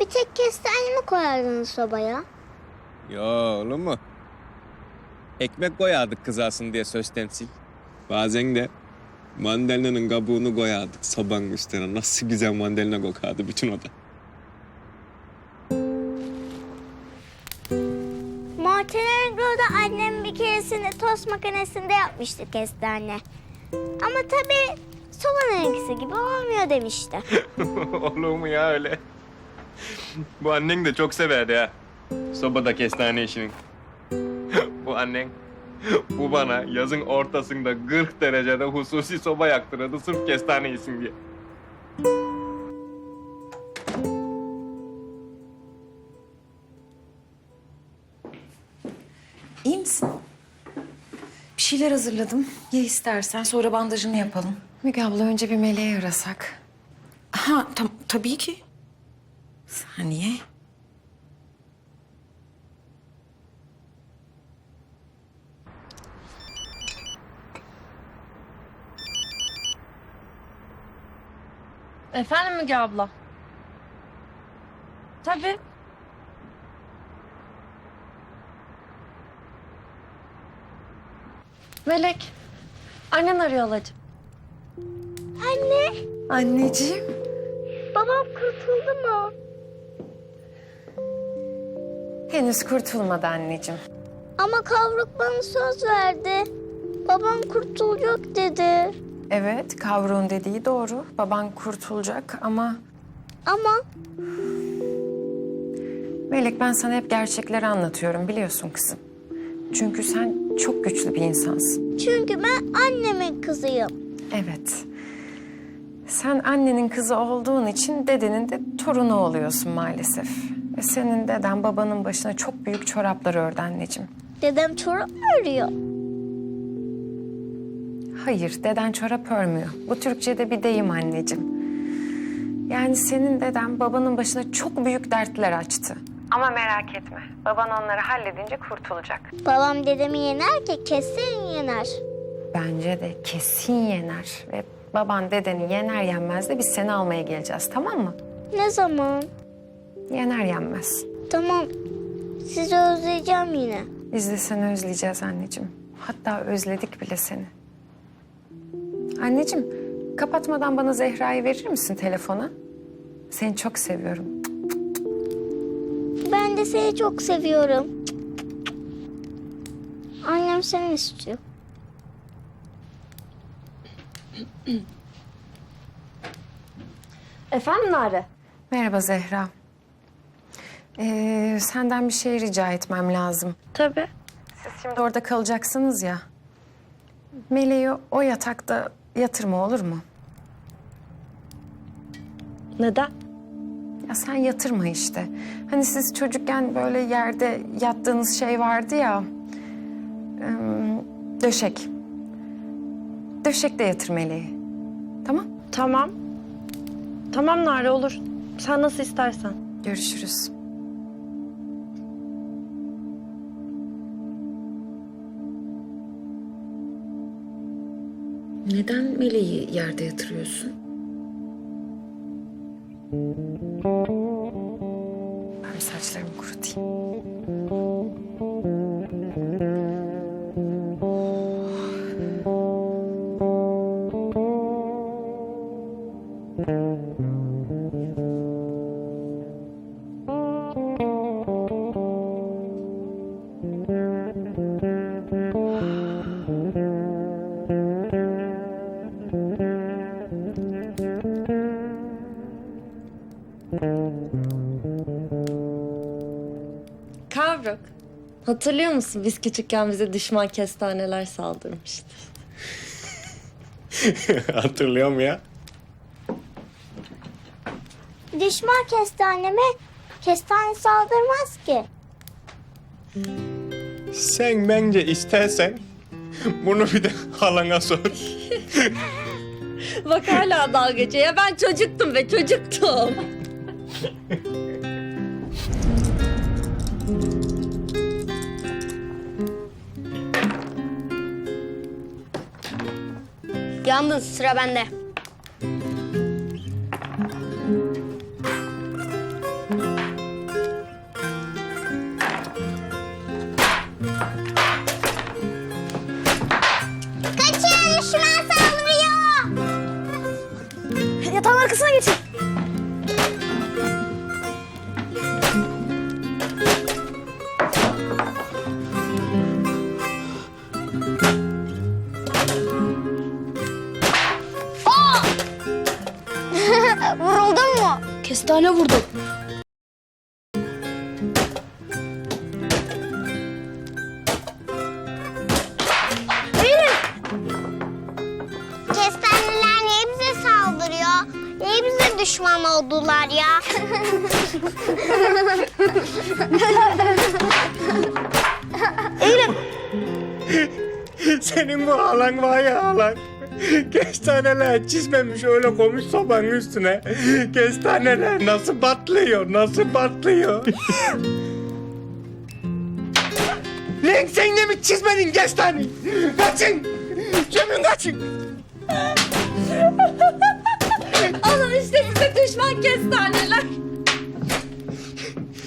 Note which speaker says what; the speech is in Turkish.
Speaker 1: tek kestane mi koyardınız sobaya?
Speaker 2: Yo olur mu? Ekmek koyardık kızasın diye söz temsil. Bazen de mandalina'nın kabuğunu koyardık sobanın üstüne. Nasıl güzel mandalina kokardı bütün oda.
Speaker 1: Montenegro'da annem bir keresinde tost makinesinde yapmıştı kestane. Ama tabii sobanınkisi gibi olmuyor demişti.
Speaker 2: Olur mu ya öyle? Bu annen de çok severdi ha. Sobada kestane işini. Bu annen, bu bana yazın ortasında 40 derecede hususi soba yaktırırdı sırf kestane yesin diye.
Speaker 3: İyi misin? Bir şeyler hazırladım. Ye istersen sonra bandajını yapalım. Müge abla önce bir Meleği arasak. Ha tabii ki. Saniye.
Speaker 4: Efendim Müge abla? Tabii. Melek, annen arıyor halacığım.
Speaker 1: Anne,
Speaker 3: Anneciğim.
Speaker 1: babam kurtuldu mu?
Speaker 3: Henüz kurtulmadı anneciğim.
Speaker 1: Ama Kavruk bana söz verdi. Babam kurtulacak dedi.
Speaker 3: Evet, Kavruğun dediği doğru. Baban kurtulacak ama...
Speaker 1: Ama
Speaker 3: Melek, ben sana hep gerçekleri anlatıyorum biliyorsun kızım. Çünkü sen çok güçlü bir insansın.
Speaker 1: çünkü ben annemin kızıyım.
Speaker 3: Evet. Sen annenin kızı olduğun için dedenin de torunu oluyorsun maalesef. Ve senin deden babanın başına çok büyük çoraplar ördü anneciğim.
Speaker 1: Dedem çorap mı örüyor?
Speaker 3: Hayır, deden çorap örmüyor. Bu Türkçe'de bir deyim anneciğim. Yani senin deden babanın başına çok büyük dertler açtı. Ama merak etme, baban onları halledince kurtulacak.
Speaker 1: Babam dedemi yener ki kesin yener.
Speaker 3: Bence de kesin yener. Ve baban dedeni yener yenmez de biz seni almaya geleceğiz, tamam mı?
Speaker 1: Ne zaman?
Speaker 3: Yener yenmez.
Speaker 1: Tamam. Sizi özleyeceğim yine.
Speaker 3: Biz de seni özleyeceğiz anneciğim. Hatta özledik bile seni. Anneciğim, kapatmadan bana Zehra'yı verir misin telefona? Seni çok seviyorum.
Speaker 1: Ben de seni çok seviyorum. Annem seni istiyor.
Speaker 4: Efendim Nare?
Speaker 3: Merhaba Zehra. Senden bir şey rica etmem lazım.
Speaker 4: Tabii.
Speaker 3: Siz şimdi orada kalacaksınız ya. Meleği o yatakta yatırma olur mu?
Speaker 4: Neden?
Speaker 3: Ya sen yatırma işte. Hani siz çocukken böyle yerde yattığınız şey vardı ya. Döşek. Döşekte yatır Meleği. Tamam?
Speaker 4: Tamam. Tamam Nare olur. Sen nasıl istersen.
Speaker 3: Görüşürüz. Neden Meleği yerde yatırıyorsun? Ben bir saçlarımı kurutayım.
Speaker 4: Kavruk. Hatırlıyor musun biz küçükken bize düşman kestaneler saldırmıştı.
Speaker 2: Hatırlıyorum ya.
Speaker 1: Düşman kestaneme kestane saldırmaz ki.
Speaker 2: Sen bence istersen bunu bir de halana sor.
Speaker 4: Bak hala dalga geçiyor. Ya ben çocuktum be çocuktum.
Speaker 1: Yandın, sıra bende. düşman saldırıyor.
Speaker 4: Yatağın arkasına geçin.
Speaker 1: Vuruldun mu?
Speaker 4: Kestane vurdu.
Speaker 1: Kestaneler niye bize saldırıyor? Niye bize düşman oldular ya?
Speaker 2: Senin bu halan var ya halan. Kestaneler çizmemiş öyle koymuş sobanın üstüne. Kestaneler nasıl patlıyor, nasıl patlıyor. Lan sen de mi çizmedin kestaneyi? Kaçın! Cemil kaçın!
Speaker 4: Alın işte size düşman kestaneler.